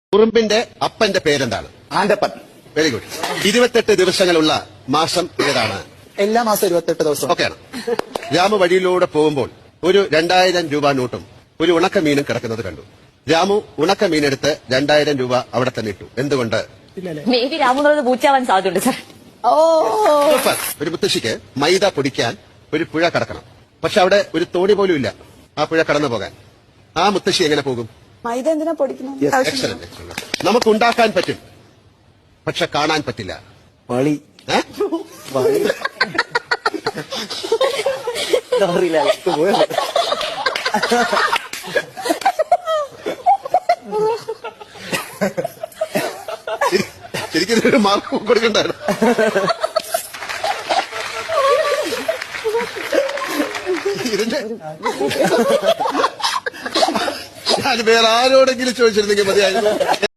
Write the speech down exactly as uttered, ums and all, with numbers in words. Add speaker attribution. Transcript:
Speaker 1: ഉറുമ്പിന്റെ അപ്പന്റെ പേരെന്താണ്?
Speaker 2: ആന്റപ്പൻ.
Speaker 1: Very good. ഇരുപത്തെട്ട് ദിവസങ്ങളുള്ള മാസം ഏതാണ്?
Speaker 2: എല്ലാ മാസം ഇരുപത്തെട്ട് ദിവസം.
Speaker 1: ഓക്കെയാണ്. രാമു വഴിയിലൂടെ പോകുമ്പോൾ ഒരു രണ്ടായിരം രൂപ നോട്ടും ഒരു ഉണക്കമീനും കിടക്കുന്നത് കണ്ടു. രാമു ഉണക്കമീനെടുത്ത് രണ്ടായിരം രൂപ അവിടെ തന്നെ ഇട്ടു. എന്തുകൊണ്ട്?
Speaker 3: മേ ബി രാമു എന്നുള്ളത് പൂച്ചാവാൻ സാധ്യതയുണ്ട് സാർ. ഓ
Speaker 1: സൂപ്പർ. ഒരു മുത്തശ്ശിക്ക് മൈദ പൊടിക്കാൻ ഒരു പുഴ കടക്കണം. പക്ഷെ അവിടെ ഒരു തോണി പോലും ഇല്ല ആ പുഴ കടന്നു പോകാൻ. ആ മുത്തശ്ശി എങ്ങനെ പോകും?
Speaker 4: മൈദ എന്തിനാ പൊടിക്കുന്നത്?
Speaker 1: എക്സലന്റ്. നമുക്ക് ഉണ്ടാക്കാൻ പറ്റും, പക്ഷെ കാണാൻ പറ്റില്ല.
Speaker 2: വളി.
Speaker 1: ഏ?
Speaker 2: വളി. ലോറിയിലകത്ത് പോയത്.
Speaker 1: ശരിക്കും ഇതിനൊരു മാർക്ക് കൊടുക്കണ്ടായിരുന്നു. ഇതിന്റെ ഞാൻ വേറെ ആരോടെങ്കിലും ചോദിച്ചിരുന്നെങ്കിൽ മതിയായിരുന്നു.